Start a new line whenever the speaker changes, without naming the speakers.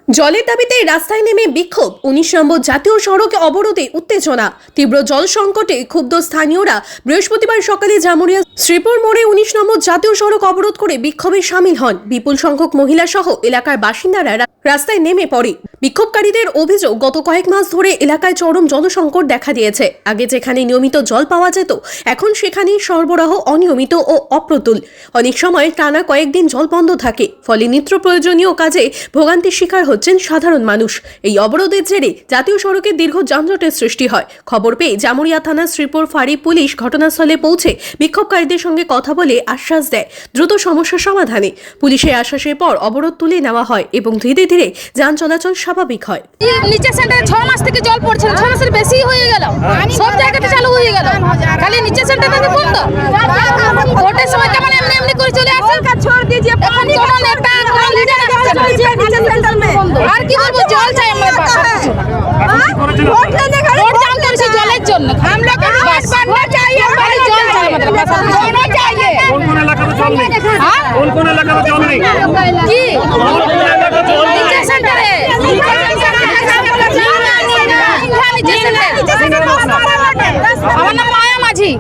জলের দাবিতে রাস্তায় নেমে বিক্ষোভ। ১৯ নম্বর জাতীয় সড়কে অবরোধে উত্তেজনা। তীব্র জল সংকটে ক্ষুব্ধ স্থানীয়রা বৃহস্পতিবার সকালে জামুরিয়া শ্রীপুর মোড়ে ১৯ নম্বর জাতীয় সড়ক অবরোধ করে বিক্ষোভে সামিল হন। বিপুল সংখ্যক মহিলা সহ এলাকার বাসিন্দারা রাস্তায় নেমে পড়ে। বিক্ষোভকারীদের অভিযোগ, গত কয়েক মাস ধরে এলাকায় চরম জলসংকট দেখা দিয়েছে। আগে যেখানে নিয়মিত জল পাওয়া যেত, এখন সেখানে সরবরাহ অনিয়মিত ও অপ্রতুল। অনেক সময় টানা কয়েকদিন জল বন্ধ থাকে, ফলে নিত্য প্রয়োজনীয় কাজে ভোগান্তির শিকার হচ্ছেন সাধারণ মানুষ। এই অবরোধের জেরে জাতীয় সড়কে দীর্ঘ যানজটের সৃষ্টি হয়। খবর পেয়ে জামুরিয়া থানা শ্রীপুর ফাঁড়ি পুলিশ ঘটনাস্থলে পৌঁছে বিক্ষোভকারীদের সঙ্গে কথা বলে আশ্বাস দেয় দ্রুত সমস্যার সমাধানে। পুলিশের আশ্বাসের পর অবরোধ তুলে নেওয়া হয় এবং ধীরে ধীরে যান চলাচল স্বাভাবিক হয়।
নিচে সেন্টারে 6 মাস থেকে জল পড়ছে, 6 মাসের বেশি হয়ে গেল, সব জায়গাতে চালু হয়ে গেল, খালি নিচে সেন্টারে বন্ধ। ভোটের সময় কেমন এমনি এমনি করে চলে আসে, छोड़ दीजिए। এখন কোন নেতা কোন লিডার আসছে না নিচে সেন্টার में। আর কি বলবো, জল চাই আমার পাশে। ভোট लेने का ভোট দান করছি জলের জন্য। हम लोग को बस बनना चाहिए, हमारे জল চাই আমাদের পাশে होना चाहिए।
কোন এলাকাতে জল নেই? কোন এলাকাতে জল নেই?
কি নিচে সেন্টারে আমার নাম মায়া মাঝি।